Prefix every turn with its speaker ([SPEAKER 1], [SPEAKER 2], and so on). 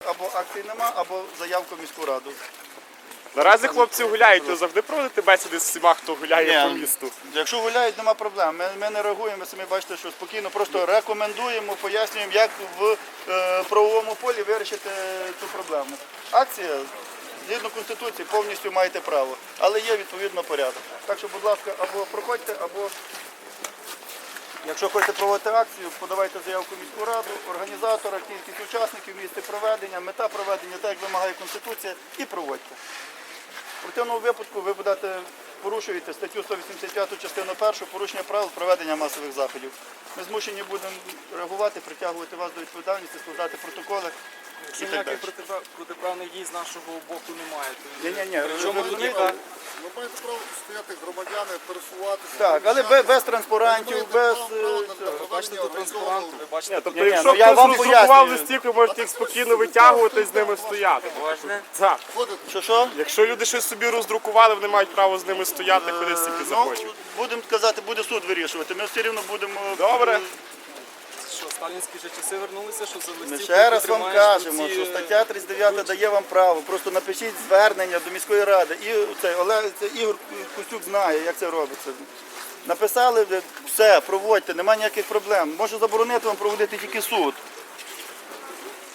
[SPEAKER 1] або акції нема, або заявку в міську раду.
[SPEAKER 2] Наразі хлопці гуляють, ви завжди проводите бесіди з всіма, хто гуляє по місту?
[SPEAKER 1] Якщо гуляють, нема проблем. Ми не реагуємо, ви самі бачите, що спокійно, просто рекомендуємо, пояснюємо, як в правовому полі вирішити цю проблему. Акція, згідно Конституції, повністю маєте право, але є відповідно порядок. Так що, будь ласка, або проходьте, або якщо хочете проводити акцію, подавайте заявку в міську раду, організатора, кількість учасників, місце проведення, мета проведення, так як вимагає Конституція, і проводьте. В противному випадку ви будете порушуєте статтю 185 частину 1 порушення правил проведення масових заходів. Ми змушені будемо реагувати, притягувати вас до відповідальності, складати протоколи.
[SPEAKER 3] Якщо ніяких протиправних дій з нашого боку немає, то
[SPEAKER 1] Ні,
[SPEAKER 3] чому
[SPEAKER 1] розумієте?
[SPEAKER 4] Ви маєте право стояти громадяни, пересуватися.
[SPEAKER 1] Так, але без транспарантів, без...
[SPEAKER 3] ви бачите тут транспаранти, ви бачите тут
[SPEAKER 2] Тобто, якщо
[SPEAKER 1] я
[SPEAKER 2] хтось
[SPEAKER 1] вам
[SPEAKER 2] роздрукував
[SPEAKER 1] пояснюю.
[SPEAKER 2] листівки, можете їх спокійно витягувати і з ними стояти. Так.
[SPEAKER 1] Що?
[SPEAKER 2] Якщо люди щось собі роздрукували, вони мають право з ними стояти, куди стільки захочуть.
[SPEAKER 1] Будемо казати, буде суд вирішувати. Ми все рівно будемо...
[SPEAKER 2] Добре.
[SPEAKER 3] що сталінські вже часи вернулися, що за листівку
[SPEAKER 1] Ми ще раз вам
[SPEAKER 3] тримаєш
[SPEAKER 1] кажемо,
[SPEAKER 3] оці,
[SPEAKER 1] що стаття 39 дає вам право. Просто напишіть звернення до міської ради. І Ігор Костюк знає, як це робиться. Написали, все, проводьте, немає ніяких проблем. Може заборонити вам проводити тільки суд.